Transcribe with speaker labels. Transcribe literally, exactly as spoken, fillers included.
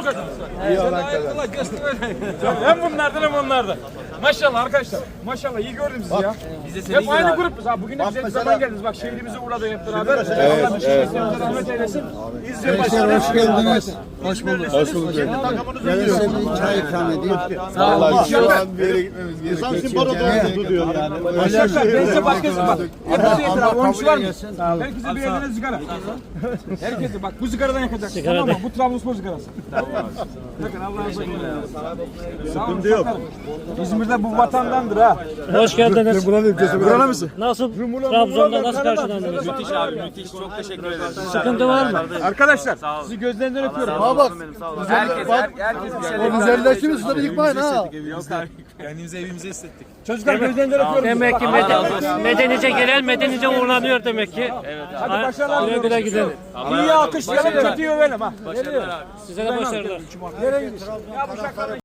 Speaker 1: o kadar. İyi olan kadar. Hem bunlardan hem onlardan. Maşallah arkadaşlar. Maşallah iyi gördüm sizi ya. Hep aynı grupuz ha. Bugün de bize zaman geldiniz. Bak şehrimize uğradı hep beraber. Allah düşünmesinize rahmet eylesin. İzmir başkanı.
Speaker 2: Hoş geldiniz. Hoş bulduk.
Speaker 1: Hoş bulduk.
Speaker 2: Gelirse bir çay ikram edeyim.
Speaker 1: Sağ olun.
Speaker 3: Şu an bir yere gitmemiz gerekiyor. Sanki Baro'da diyor yani.
Speaker 1: Arkadaşlar ben size başkası bak. Hepinize yeter abi. Oyuncular mı? Herkese bir yerden sigara. Herkese bak bu sigaradan yakacaksın. Tamam mı? Bu Trabzonspor sigarası. Bakın Allah'a emanet. Sıkıntı yok. İzmir'de bu vatandandır ha.
Speaker 4: Hoş geldiniz.
Speaker 1: Buranın mısın?
Speaker 4: Nasıl? Trabzon'da nasıl karşılandınız?
Speaker 5: Müthiş abi müthiş. Çok teşekkür ederim.
Speaker 4: Sıkıntı var mı?
Speaker 1: Arkadaşlar sizi gözlerinden öpüyorum.
Speaker 2: Ha bak.
Speaker 5: Herkes, her, herkes bir şeyler.
Speaker 2: O güzelleşti mi suları yıkmayın ha.
Speaker 3: Kendimizi evimize hissettik.
Speaker 1: Çocuklar gözlerinden öpüyorum.
Speaker 4: Demek ki meden, medenice gelen medenice uğurlanıyor demek ki.
Speaker 1: Hadi başarılar.
Speaker 4: Güle güle gidelim.
Speaker 1: İyi alkışlayalım, kötüyü övelim ha.
Speaker 4: Size de başarılar.
Speaker 1: Nereye gidiyorsun? Ya bu şakaları